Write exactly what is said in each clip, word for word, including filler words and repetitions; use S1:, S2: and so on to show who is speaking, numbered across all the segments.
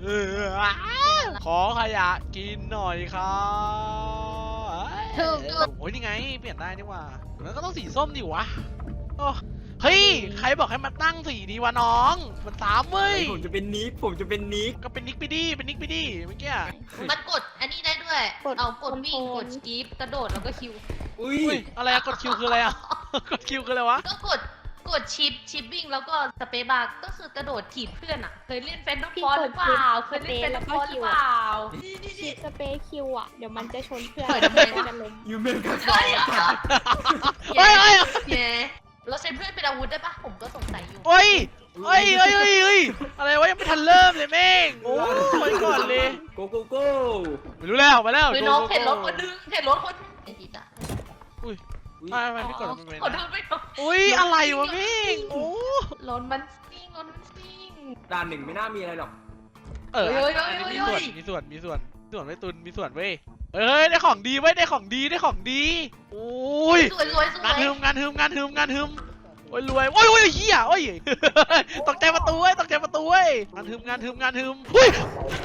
S1: ขอขยะกินหน่อยครับโอ้ยนี่ไงเปลี่ยนได้นี่ว่าแล้วก็ต้องสีส้มดิวะเฮ้ยใครบอกให้มาตั้งสีดีวะน้องมันสามเว้ย
S2: ผมจะเป็นนิกผมจะเป็นนิก
S1: ก็เป็นนิกไปดิเป็นนิกไปดิเมื่อกี้
S3: มันกดอันนี้ได้ด้วยเอากดวิ่งกดชีฟกระโดดแล้วก็คิว
S2: อุ้ย
S1: อะไรอะกดคิวคืออะไรอะกดคิวคืออะไรวะ
S3: ก็กดกดชิปชิปวิ่งแล้วก็สเปซบาร์ก็คือกระโดดถีบเพื่อนอ่ะเคยเล่นเฟนต์ฟอร์หรือเปล่าเคยเล่นเฟนต์ฟอร์หรือเปล่า
S4: ชิปสเปซคิวอ่ะเดี๋ยวมันจะชนเพื่อนจะล้ม
S2: ยูเมนกัน
S3: เฮ้ยเฮ้ยเย้เราใช้เพื่อนเป็นอาวุธได้ปะผมก็สงสัยอยู่
S1: เฮ้ยเฮ้ยเฮ้ยเฮ้ยอะไรวะยังไม่ทันเริ่มเลยแม่งโอ้ยก่อนเลย
S2: โกโกโก้
S1: ไม่รู้แล้วไปแล้ว
S3: ไปน้องเห็นรถคนนึงเห็นรถคนไอ้จีตา
S1: อุ้ยไม่ไม่ไม่กดไม่
S3: กดไม่กด
S1: อุ้ยอะไรวะแม่งโอ้
S3: รถมันซิ่งรถมันซิ่ง
S2: ด่านหนึ่งไม่น่ามีอะไรหรอก
S1: เออมีส่วนมีส่วนมีส่วนส่วนไว้ตุนมีส่วนเว้ยเอ้ยได้ของดีไว้ได้ของดีได้ของดีโอ้ย
S3: สวยสวยสวย
S1: งานฮึมงานฮึมงานฮึมงานฮึมโอ้ยรวยโอ้ยโอ้ยเฮียโอ้ยตกใจประตูเว้ยตกใจประตูเว้ยงานฮึมงานฮึมงานฮึมเฮ้ย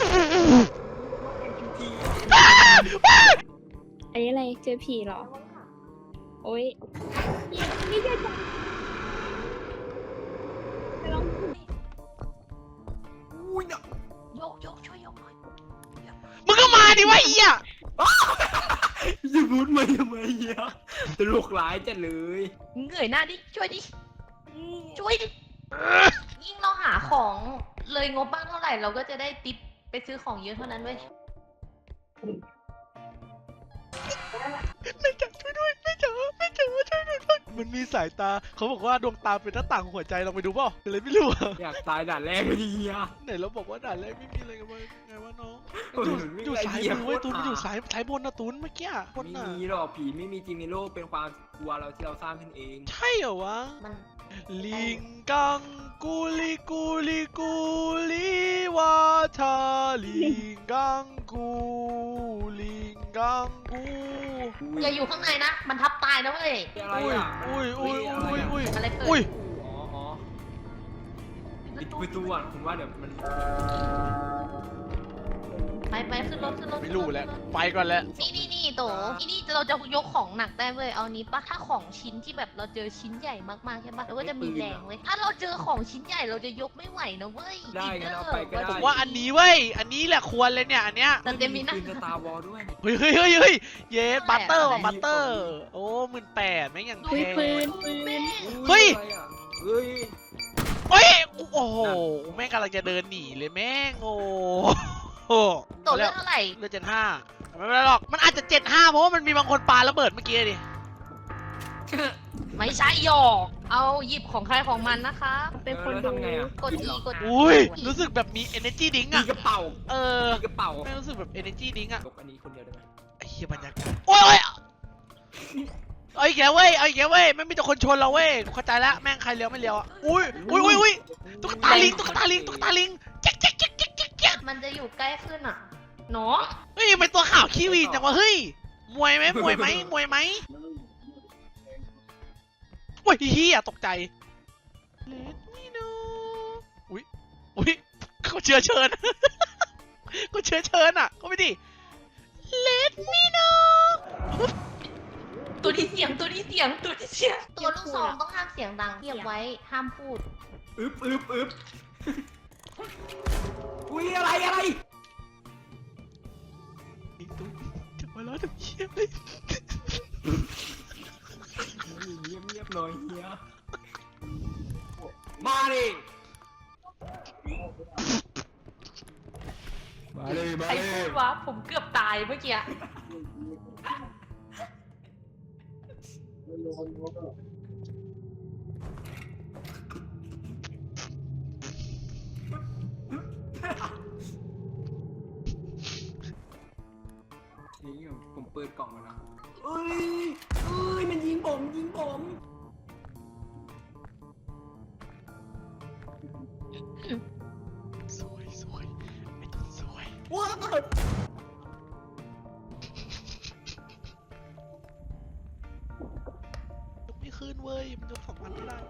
S4: อันนี้อะไรเจอผีเหรอโอ้ยนี่จะจะลอง
S2: อุ้ย
S3: โยกโยกช่วยโยกหน่อย
S1: มึงก็มาดิวะเฮีย
S2: จะพูดมาทำไมเฮียตลกร้ายจัดเลย
S3: เหนื่อยหน้าดิช่วยดิช่วยดิยิ่งเราหาของเลยงบบ้างเท่าไหร่เราก็จะได้ติปไปซื้อของเยอะเท่านั้นเว้ย
S1: ไม่จับช่วยด้วยไม่จับไม่จับช่วยด้วยมันมีสายตาเขาบอกว่าดวงตาเป็นหน้าต่างหัวใจเราไปดูเปล่าอะไรไม่รู้
S2: อยากตายด่านแรกเลยเฮีย
S1: ไหนเราบอกว่าด่านแรกไม่มีอะไรกันเลยไงวะน้องอยู่สายมือเว้ยตูนมันอยู่สายสายบนนะตูนเมื่อกี้
S2: ไม่มีหรอกผีไม่มีจริงในโลกเป็นความกลัวเราที่เราสร้างขึ้นเอง
S1: ใช่เหรอวะลิงกังกูลิกูลิกูลิวาทาลิงกังกูลิงกังกู
S3: อย่าอยู่ข้างในนะมันทับตายนะเว้ย
S2: อุ้ย
S1: อุ้ยอุ้ยอุ้ยอุ้ย
S3: อะไรเกิด
S1: อุ้ย
S2: อ๋ออ๋อปิดประตูอ่ะคุณว่าเดี๋ยวมัน
S3: ไปไปขึ้นรถขึ้นรถ
S1: ไม่รู้แล้วไปก่อนแล้ว
S3: นี่นี่นี่โตที่นี่เราจะยกของหนักได้เว้ยเอานี้ปะถ้าของชิ้นที่แบบเราเจอชิ้นใหญ่มากๆใช่ปะเราก็จะมีแรงเว้ยถ้าเราเจอของชิ้นใหญ่เราจะยกไม่ไหวนะเว้ย
S2: ได้งั้นเอาไปก็ได้
S1: ผมว่าอันนี้เว้ยอันนี้แหละควรเลยเนี่ยอันเนี้ย
S3: แต่เต็มมีนะ
S2: สตาร์วอลด้วย
S1: เฮ้ยเฮ้ยเฮ้ยเฮ้ยเย้บัตเตอร์ว่ะบัตเตอร์โอ้หมื่นแปดแม่งยังแพง
S4: ปืนปืน
S1: เฮ้ย
S2: เฮ้ย
S1: เฮ้ยโอ้โหแม่งกำลังจะเดินหนีเลยแม่งโอ้โห
S3: ตัวเลือกเท่าไหร่
S1: เลือกเจ็ดห้าไม่เป็นไรหรอกมันอาจจะเจ็ดห้าเพราะว่ามันมีบางคนปาระเบิดเมื่อกี้ดิ
S3: ไม่ใช่หยอกเอาหยิบของใครของมันนะคะ
S4: เป็นคนดู
S3: กดอีกด
S1: อุ้ยรู้สึกแบบมี energy drink อะ
S2: มีกระเป๋า
S1: เออก
S2: ระเป๋า
S1: ไม่รู้สึกแบบ energy drink อะ
S2: อันนี้คนเดียวได้ไหม
S1: ไอ้เหี้ยบรรยากาศโอ้ยเอาอีกแล้วเว้ยเอาอีกแล้วเว้ยไม่มีแต่คนชนเราเว้ยเข้าใจแล้วแม่งใครเลี้ยวไม่เลี้ยวอ่ะอุ้ยอุ้ยอุ้ยอุ้ยตุ๊กตาลิงตุ๊กตาลิงตุ๊กตาลิงเจ๊กเจ๊กเจ๊กเจ๊กเจ๊กเจ๊ก
S3: มันจะอยู่ใกล้ขึ้นอ่ะเนาะ
S1: เฮ้ยเป็นตัวข่าวขี้วีนจังวะเฮ้ยมวยไหมมวยไหมมวยไหมโอ้ยเฮียตกใจเลดมิโนอุ้ยอุ้ยเขาเชื้อเชิญเขาเชื้อเชิญอ่ะเขาไม่ดิเลดมิโน
S3: ตัวที่เสียงตัวที่เสียงตัวที่เสียงตัวลูกซองต้องห้ามเสียงดังเงียบไว้ห้ามพูด
S2: อึบอึบอึบอุ้ยอะไรอะไร
S1: อีกตัวจะมาแล้วทำเชี่ยเลย
S2: เงียบเงียบหน่อยเฮียมาดิมาเลยมาเลย
S3: ใครพูดวะผมเกือบตายเมื่อกี้
S2: นี่ผมเปิดกล่องมาแล้วเอ้ยเอ้ยมันยิงผมยิงผม
S1: สวยสวยไม่สวย
S2: ว้าว
S1: ไม่ขึ้นเว้ยมันยกสองพันไม่ได้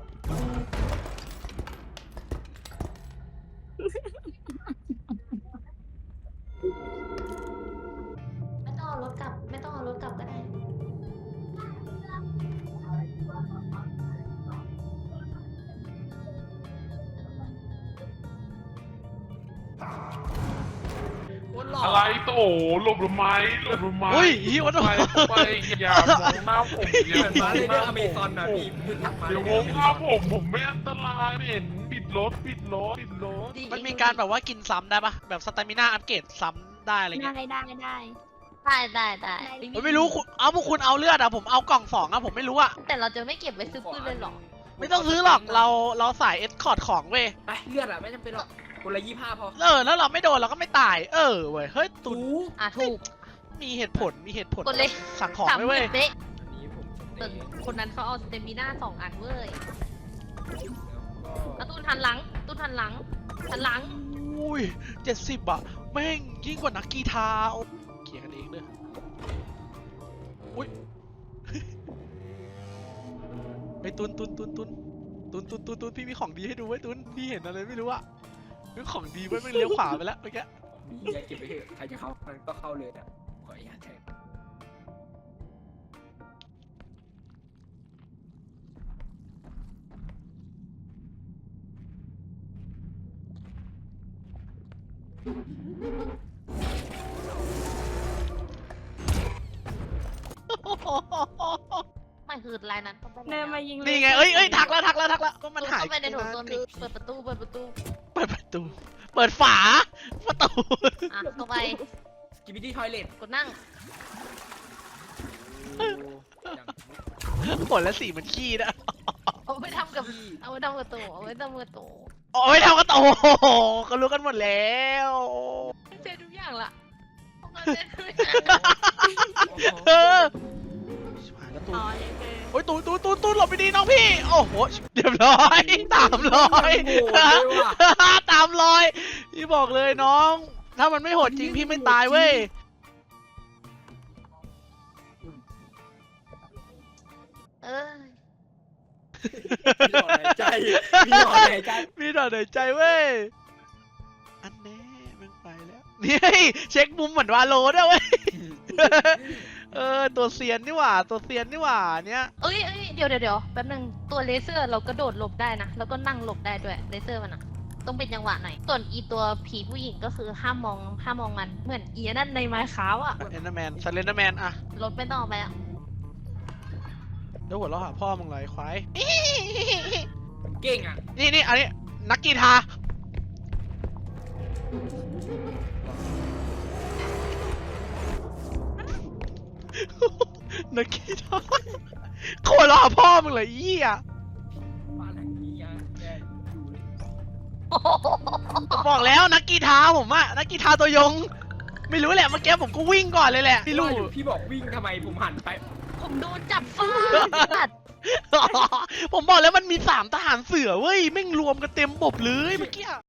S5: อะไรโตหลบทำไมหลบทำไม
S1: อุ้ยอีวัน
S5: ไปไปอย่ามองหน้าผมอย่า
S2: เหมือน
S5: ม
S2: มา
S5: อง
S2: เลย
S5: ห
S2: เรื่
S5: น้า
S2: องอเมซอนนะพี่พี่ทักมา
S5: เดี๋ยวมองหน้าผมผมไม่อันตรายไม่เห็นปิดรถปิดรถปิดรถ
S1: มันมีการแบบว่ากินซ้ำได้ปะแบบสเตมิน่าอัปเกรดซ้ำได้อะไร
S4: ได้
S1: เงี้ย
S4: ได้ได้
S3: ได้ได้ได้
S4: ได้
S1: ผมไม่รู้คุณเอาพวกคุณเอาเลือดอะผมเอากล่องสองอะผมไม่รู้อะ
S3: แต่เราจะไม่เก็บไว้ซื้อปืนเลยเหรอ
S1: ไม่ต้องซื้อหรอกเราเราสายเอสคอร์ดของเว้ย
S2: ไปเลือดอะไม่จำเป็นหรอกคนละยี่ห้าพอ
S1: เออแล้วเราไม่โดนเราก็ไม่ตายเออเว้ยเฮ้ยตุน
S2: ถู
S3: อ่ะถูก
S1: มีเหตุผลมีเหตุผล
S3: กดเลย
S1: สั่งของ
S3: สาม
S1: ไว้
S3: ห
S1: เว้
S3: มื่
S1: ย
S3: นเบ๊ะ
S2: อันนี้ผม
S3: ส่วนคนนั้นเขาเอาสเตมิน่าสองอันเว้ยแล้วตูนทันหลังตูนทันหลังทันหลัง
S1: อุ้ยเจ็ดสิบอะแม่งยิ่งกว่านักกีฬาโอ้เขี่ยกันเองเลยอุ้ยไอ้ตุนตุนตุนตุนตุนตุนตุนตุนพี่มีของดีให้ดูไว้ยตุนพี่เห็นอะไรไม่รู้อะมีของดีไว้ยไม่งเลี้ยวขวาไปแล้วเมื่อกี้
S2: มีอย่าเก็บไปเถอะใครจะเข้ามันก็เข้าเลยอะขออนุญาตแทง
S3: ไม่คือลายนั้นต้องไป
S4: เดินมายิง
S1: นี่ไงเอ้ยเอ้ยทักแล้วทักแล้วทักแล้วก็มันหาย
S3: เข้าไปในโถ
S1: นาน
S3: ส้วม
S1: เกิ
S3: ดิ
S1: น
S3: เปิดประตูเปิดประตู
S1: เปิดประตู เปิดฝา ประตู
S3: อ่ะเข้าไป
S2: กิบิตี้ทอยเลท
S3: กดนั่ง
S1: ผลและสีมันขี้นะ
S3: เอาไปทำกับเอาไปทำกับตัวเอาไปทำกับตัว
S1: โอ้ยทำกันโตโอ้โหเขารู้กันหมดแล้ว
S3: เจอทุกอย่างละทำงานเจอทุก
S1: เออชิบหายแล้วตูน
S4: อ๋อเลยคือ
S1: โอ้ยตูนตูนตูนตูนหลบไปดีน้องพี่ โอ้โหเรียบร้อยตามรอย
S2: โหดเลยว่ะ
S1: ตามรอยพี่บอกเลยน้อง ถ้ามันไม่โหดจริงพี่ไม่ตายเว้ย
S3: เออ
S2: มีหลอดหายใจมีหลอดหายใจ
S1: มีหน่อยหน่อยใจเว้ย อันแน่มึงไปแล้ว นี่เช็คมุมเหมือนวาโลด้วยเว้ย เออตัวเซียนนี่หว่า ตัวเซียนนี่หว่าเนี้ย
S3: เอ้ยเอ้ยเดี๋ยวเดี๋ยวเดี๋ยวแป๊บนึงตัวเลเซอร์เรากระโดดหลบได้นะแล้วก็นั่งหลบได้ด้วยเลเซอร์มันอะต้องเป็นจังหวะหน่อยส่วนอีตัวผีผู้หญิงก็คือห้ามมองห้ามมองมันเหมือนอีนั่นในไม้ขาวอะ
S1: เอ็นเดอร์แมนซันเลนเดอร์แมนอะ
S3: รถไม่ต้องเอาไปอะ
S1: เดี๋ยวหัวเราะหาพ่อมึงเลยควาย
S2: เก่งอ่ะ
S1: นี่นี่อันนี้นักกีฬานักกีฬาโคตรเราหาพ่อมึงเลยอีอ่ะ
S2: บ้านหลังนี้ยังแย่อยู่เลย
S1: บอกแล้วนักกีฬาผมอะนักกีฬาตัวยง ไม่รู้แหละเมื่อกี้ผมก็วิ่งก่อนเลยแหละพี่ลูก
S2: ว่าอยู่พี่บอกวิ่งทำไมผมหันไป
S3: ผมโดนจับฟาด
S1: ผมบอกแล้วมันมีสามทหารเสือเว้ยแม่งรวมกันเต็มบบเลยเมื่อกี้